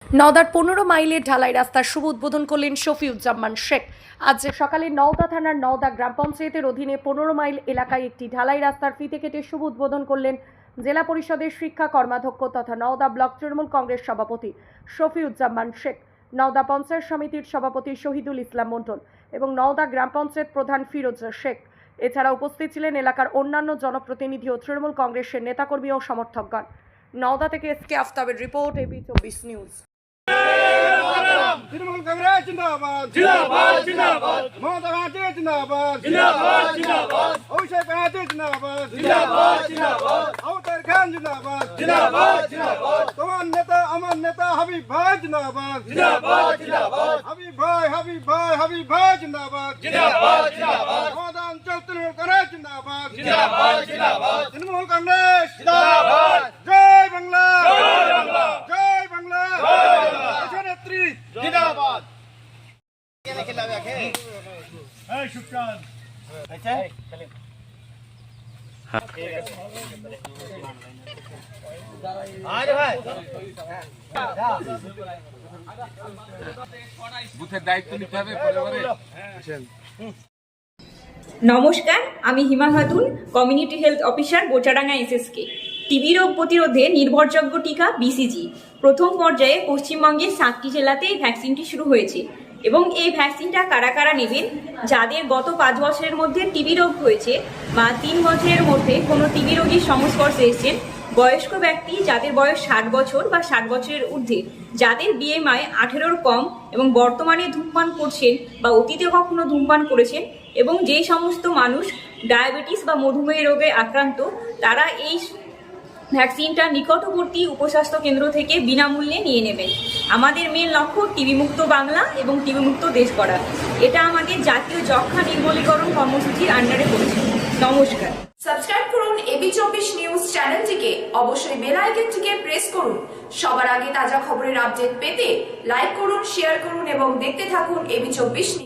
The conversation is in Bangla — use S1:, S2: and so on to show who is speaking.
S1: নওদার 15 মাইলের ঢালাই রাস্তার শুভ উদ্বোধন করলেন শফিউজ্জামান শেখ। আজ সকালে নওদা থানার নওদা গ্রাম পঞ্চায়েতের অধীনে 15 মাইল এলাকায় একটি ঢালাই রাস্তার ফিতে কেটে শুভ উদ্বোধন করলেন জেলা পরিষদের শিক্ষা কর্মাধ্যক্ষ তথা নওদা ব্লক তৃণমূল কংগ্রেস সভাপতি শফিউজ্জামান শেখ, নওদা পঞ্চায়েত সমিতির সভাপতি শহীদুল ইসলাম মণ্ডল এবং নওদা গ্রাম পঞ্চায়েত প্রধান ফিরোজ শেখ। এছাড়া উপস্থিত ছিলেন এলাকার অন্যান্য জনপ্রতিনিধি ও তৃণমূল কংগ্রেসের নেতাকর্মী ও সমর্থকগণ। নওদা থেকে এসকে আফতাবের report, AB 24 news.
S2: Trinamool Congress জিন্দাবাদ জিন্দাবাদ জিন্দাবাদ, মমতা ব্যানার্জি জিন্দাবাদ জিন্দাবাদ জিন্দাবাদ, অভিষেক ব্যানার্জি জিন্দাবাদ জিন্দাবাদ জিন্দাবাদ, আউতার খান জিন্দাবাদ জিন্দাবাদ জিন্দাবাদ, তোমার নেতা আমার নেতা হাবিব ভাই জিন্দাবাদ জিন্দাবাদ জিন্দাবাদ, হাবিব ভাই জিন্দাবাদ জিন্দাবাদ জিন্দাবাদ, মমতা অঞ্চল তৃণমূল কংগ্রেস জিন্দাবাদ জিন্দাবাদ জিন্দাবাদ, তৃণমূল কংগ্রেস জিন্দাবাদ, জয় বাংলা জয় বাংলা জয় বাংলা জয় বাংলা, নেত্রী জিন্দাবাদ। এই শুক্রান আচ্ছা আরে ভাই
S3: বুথের দায়িত্ব নিতে হবে পরিবারে।
S4: নমস্কার, আমি Hima Khatun, community health officer Bochadanga SSK. TB রোগ প্রতিরোধে নির্ভরযোগ্য টিকা বিসিজি প্রথম পর্যায়ে পশ্চিমবঙ্গের 7টি জেলাতে এই ভ্যাকসিনটি শুরু হয়েছে এবং এই ভ্যাকসিনটা কারা কারা নেবেন? যাদের গত 5 বছরের মধ্যে টিবি রোগ হয়েছে বা 3 বছরের মধ্যে কোনো টিবি রোগীর সংস্পর্শে এসেছেন, বয়স্ক ব্যক্তি যাদের বয়স 60 বছর বা 60 বছরের ঊর্ধ্বে, যাদের বিএমআই 18-র কম এবং বর্তমানে ধূমপান করছেন বা অতীতে কখনো ধূমপান করেছেন, এবং যে সমস্ত মানুষ ডায়াবেটিস বা মধুমেহ রোগে আক্রান্ত, তারা এই ভ্যাকসিনটা নিকটবর্তী উপস্বাস্থ্য কেন্দ্র থেকে বিনামূল্যে নিয়ে নেবেন। আমাদের মেন লক্ষ্য টিবি মুক্ত বাংলা এবং টিবি মুক্ত দেশ করা। এটা আমাদের জাতীয় যক্ষ্মা নির্মূলীকরণ কর্মসূচির আন্ডারে পড়েছে। নমস্কার।
S5: সাবস্ক্রাইব করুন এবি 24 নিউজ চ্যানেলটিকে, অবশ্যই বেল আইকনটিকে প্রেস করুন। সবার আগে তাজা খবরের আপডেট পেতে লাইক করুন, শেয়ার করুন এবং দেখতে থাকুন এবি 24 নিউজ।